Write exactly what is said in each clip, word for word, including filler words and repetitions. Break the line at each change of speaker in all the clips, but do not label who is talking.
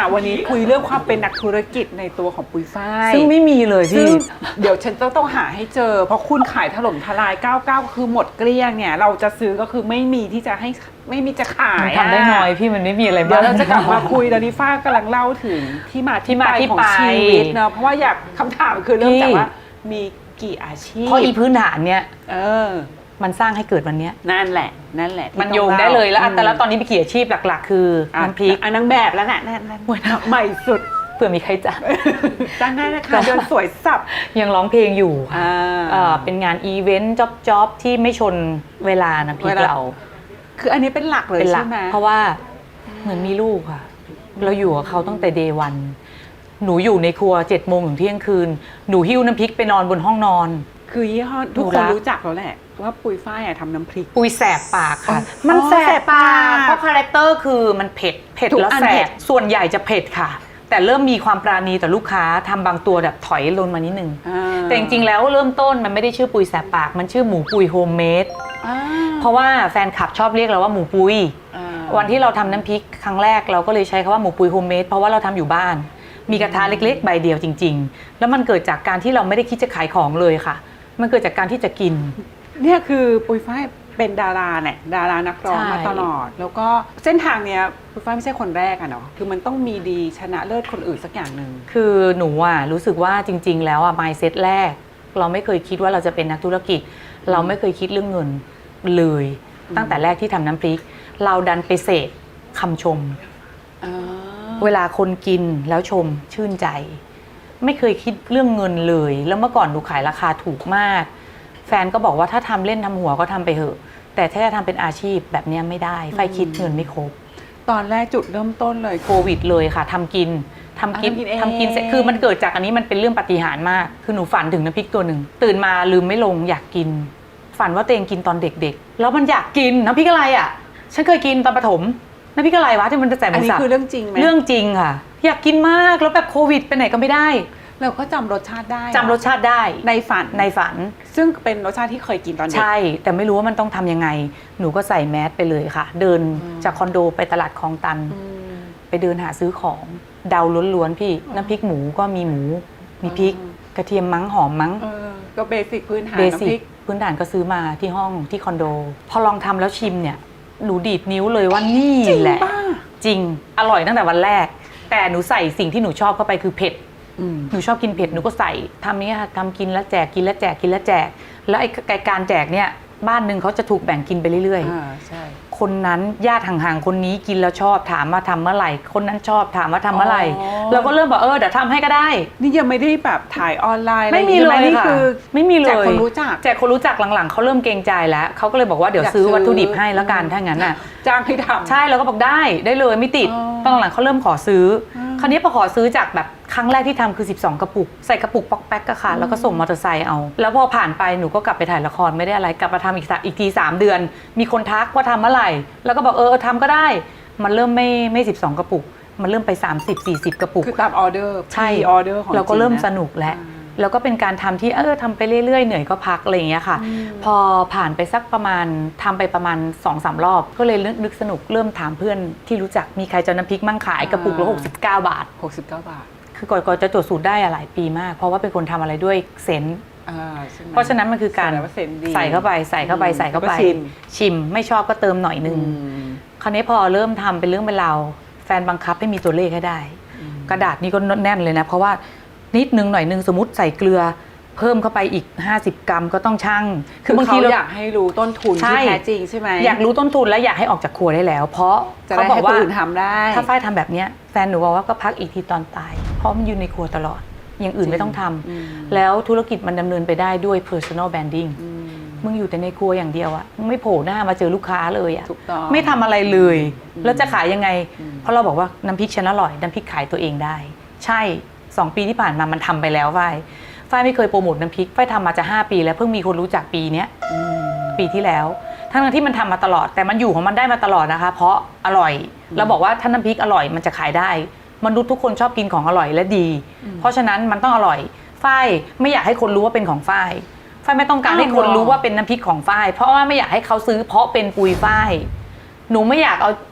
วันนี้คุยเรื่องความเป็นนักธุรกิจในตัวของปุยฝ้าย
ซึ่งไม่มีเลยพี่
เดี๋ยวฉันต้องต้องหาให้เจอเพราะคุณขายถล่มทลายเก้าสิบเก้าคือหมดเกลี้ยงเนี่ยเราจะซื้อก็คือไม่มีที่จะให้ไม่มีจะขาย
ทำได้น้อยพี่มันไม่มีอะไรบ้าง
เดี๋ยวเราจะกลับมาคุยตอนนี้ฝ้ากำลังเล่าถึงที่มาที่ไปของชีวิตเนาะเพราะว่าอยากคำถามคือเริ่มจากว่ามีกี่อาชีพ
เพราะอีพื้นฐานเนี่ย
เออ
มันสร้างให้เกิดวันนี้
นั่นแหละนั่นแหละ
มันโยงได้เลยแล้วแต่แล้วตอนนี้มีกี่อาชีพหลักๆคือน้ำพริก
อันนางแบบแล้วแหละนั่นใหม่สุด
เผื่อมีใครจ้าง
จ้างได้นะคะเดินสวยสับ
ยังร้องเพลงอยู่เป็นงานอีเวนต์จ็อบจ็อบที่ไม่ชนเวลาน้ำพริกเรา
คืออันนี้เป็นหลักเลยใช่ไหม
เพราะว่าเหมือนมีลูกค่ะเราอยู่กับเขาตั้งแต่เดย์วันหนูอยู่ในครัวเจ็ดโมงถึงเที่ยงคืนหนูหิ้วน้ำพริกไปนอนบนห้องนอน
คือยี่ห้อทุกคนรู้จักแล้วแหละว่าปุยฝ้ายทำน้ำพริก
ปุยแสบปากค่ะมันแสบปากเพราะคาแรคเตอร์คือมันเผ็ดเผ็ดแล้วแสบส่วนใหญ่จะเผ็ดค่ะแต่เริ่มมีความปราณีต่อลูกค้าทำบางตัวแบบถอยลงมานิดนึงแต่จริงๆแล้วเริ่มต้นมันไม่ได้ชื่อปุยแสบปากมันชื่อหมูปุยโฮมเมดเพราะว่าแฟนคลับชอบเรียกเราว่าหมูปุยวันที่เราทำน้ำพริกครั้งแรกเราก็เลยใช้คำว่าหมูปุยโฮมเมดเพราะว่าเราทำอยู่บ้านมีกระทะเล็กๆใบเดียวจริงๆแล้วมันเกิดจากการที่เราไม่ได้คิดจะขายของเลยค่ะมันเกิดจากการที่จะกิน
เนี่ยคือปุยฝ้ายเป็นดาราเนี่ยดารานักร้องมาตลอดแล้วก็เส้นทางเนี้ยปุยฝ้ายไม่ใช่คนแรกอะเนาะคือมันต้องมีดีชนะเลิศคนอื่นสักอย่างหนึ่ง
คือหนูอะรู้สึกว่าจริงๆแล้วอะ mindset แรกเราไม่เคยคิดว่าเราจะเป็นนักธุรกิจเราไม่เคยคิดเรื่องเงินเลยตั้งแต่แรกที่ทำน้ำพริกเราดันไปเสพคำชมเวลาคนกินแล้วชมชื่นใจไม่เคยคิดเรื่องเงินเลยแล้วเมื่อก่อนหนูขายราคาถูกมากแฟนก็บอกว่าถ้าทำเล่นทำหัวก็ทำไปเถอะแต่ถ้าจะทำเป็นอาชีพแบบนี้ไม่ได้ไฟคิดเงินไม่ครบ
ตอนแรกจุดเริ่มต้นเลย
โควิดเลยค่ะทำกินทำกินทำกินเสร็จคือมันเกิดจากอันนี้มันเป็นเรื่องปาฏิหาริย์มากคือหนูฝันถึงน้ำพริกตัวหนึ่งตื่นมาลืมไม่ลงอยากกินฝันว่าตัวเองกินตอนเด็กๆแล้วมันอยากกินน้ำพริกอะไรอ่ะฉันเคยกินตอนประถมน้ำพริกอะไรวะที่มันจะใส่หมูสับอันนี้
คือเรื่องจริงไหม
เรื่องจริงค่ะอยากกินมากแล้วแบบโควิดไปไหนก็ไม่ได้
เราก็จำรสชาติได้
จำรสชาติได้
ในฝัน
ในฝัน
ซึ่งเป็นรสชาติที่เคยกินตอนเด็ก
ใช่แต่ไม่รู้ว่ามันต้องทำยังไงหนูก็ใส่แมสไปเลยค่ะเดินจากคอนโดไปตลาดคลองตันไปเดินหาซื้อของเดาล้วนๆพี่น้ำพริกหมูก็มีหมูมีพริกกระเทียมมั้งหอมมั้ง
ก็เบสิกพื้นฐาน
เบสิกพื้นฐานก็ซื้อมาที่ห้องที่คอนโดพอลองทำแล้วชิมเนี่ยหนูดีดนิ้วเลยว่านี่แหละจริงอร่อยตั้งแต่วันแรกแต่หนูใส่สิ่งที่หนูชอบเข้าไปคือเผ็ดหนูชอบกินเผ็ดหนูก็ใส่ทำนี้ค่ะทำกินแล้วแจกกินแล้วแจกกินแล้วแจกแล้วไอ้การแจกเนี่ยบ้านหนึ่งเขาจะถูกแบ่งกินไปเรื่อยๆคนนั้นญาติห่างๆคนนี้กินแล้วชอบถามมาทำเมื่อไหร่คนนั้นชอบถามว่าทำเมื่อไหร่เราก็เริ่มบอกเออเดี๋ยวทำให้ก็ได้
นี่ยังไม่ได้แบบถ่ายออนไลน์
ไม่มีเลยค่ะไม่มีเลยแจก
คนรู้จัก
แจกคนรู้จักหลังๆเขาเริ่มเกรงใจแล้วเขาก็เลยบอกว่าเดี๋ยวซื้อวัตถุดิบให้แล้วกันถ้างั้นน่ะ
จ้างให้ทำ
ใช่เราก็บอกได้ได้เลยไม่ติดตอนหลังเขาเริ่มขอซื้อคราวนี้พอขอซื้อจากแบบครั้งแรกที่ทำคือสิบสองกระปุกใส่กระปุกป๊อกแป๊กก็ค่ะแล้วก็ส่งมอเตอร์ไซค์เอาแล้วพอผ่านไปหนูก็กลับไปถ่ายละครไม่ได้อะไรกลับมาทำอีกอีกทีสามเดือนมีคนทักว่าทำเมื่อไหร่แล้วก็บอกเออทำก็ได้มันเริ่มไม่ไม่สิบสองกระปุกมันเริ่มไปสามสิบ สี่สิบกระปุก
คือตามออเดอร์
ใช่
ออเดอร์ของ
เราก็เริ่มสนุกแล้วแล้วก็เป็นการทำที่เออทำไปเรื่อยๆเหนื่อยก็พักอะไรอย่างเงี้ยค่ะพอผ่านไปสักประมาณทำไปประมาณ สองสาม รอบก็เลยนึกสนุกเริ่มถามเพื่อนที่รู้จักมีใครจะน้ำพริกมั่งขายกระปุกละหกสิบเก้าบาท
หกสิบเก้าบาท
คือก่อนจะจดสูตรได้หลายปีมากเพราะว่าเป็นคนทำอะไรด้วยเซนส์เพราะฉะนั้นมันคือการใส่เข้าไปใส่เข้าไปใส่เข้าไปชิมไม่ชอบก็เติมหน่อยนึงคราวนี้พอเริ่มทำเป็นเรื่องเป็นราวแฟนบังคับให้มีตัวเลขให้ได้กระดาษนี้ก็แน่นเลยนะเพราะว่านิดนึงหน่อยนึงสมมติใส่เกลือเพิ่มเข้าไปอีกห้าสิบกรัมก็ต้องชั่ง
คือบางทีเราอยากให้รู้ต้นทุนที่แท้จริงใช่ไหม
อยากรู้ต้นทุนและอยากให้ออกจากครัวได้แล้วเพราะ
เขาบอกว่าทำได้
ถ้าฝ้ายทำแบบนี้แฟนหนูบอกว่าก็พักอีกทีตอนตายเพราะมันอยู่ในครัวตลอดอย่างอื่นไม่ต้องทำแล้วธุรกิจมันดำเนินไปได้ด้วย personal branding มึงอยู่แต่ในครัวอย่างเดียวอะมึงไม่โผล่หน้ามาเจอลูกค้าเลยอะไม่ทำอะไรเลยแล้วจะขายยังไงเพราะเราบอกว่าน้ำพริกฉันอร่อยน้ำพริกขายตัวเองได้ใช่สองปีที่ผ่านมามันทำไปแล้วฝ้ายฝ้ายไม่เคยโปรโมทน้ำพริกฝ้ายทำมาจะห้าปีแล้วเพิ่งมีคนรู้จักปีนี้ปีที่แล้วทั้งที่มันทำมาตลอดแต่มันอยู่ของมันได้มาตลอดนะคะเพราะอร่อยเราบอกว่าถ้าน้ำพริกอร่อยมันจะขายได้มนุษย์ทุกคนชอบกินของอร่อยและดีเพราะฉะนั้นมันต้องอร่อยฝ้ายไม่อยากให้คนรู้ว่าเป็นของฝ้ายฝ้ายไม่ต้องการให้คนรู้ว่าเป็นน้ำพริกของฝ้ายเพราะว่าไม่อยากให้เขาซื้อเพราะเป็นปุยฝ้ายหนูไม่อยากเอา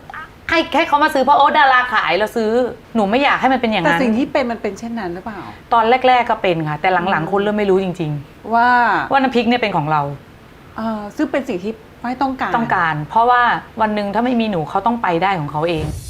ให้ให้เขามาซื้อเพราะโอ๊ตดาราขายเราซื้อหนูไม่อยากให้มันเป็นอย่าง
แต่
นั้น
สิ่งที่เป็นมันเป็นเช่นนั้นหรือเปล่า
ตอนแรก ๆก็เป็นค่ะแต่หลังๆคนเริ่มไม่รู้จริง
ว่า
ๆ ว่าน้ำพริกเนี่ยเป็นของเรา
เออซึ่งเป็นสิ่งที่ไม่ต้องการ
ต้องการ เพราะว่าวันหนึ่งถ้าไม่มีหนูเขาต้องไปได้ของเขาเอง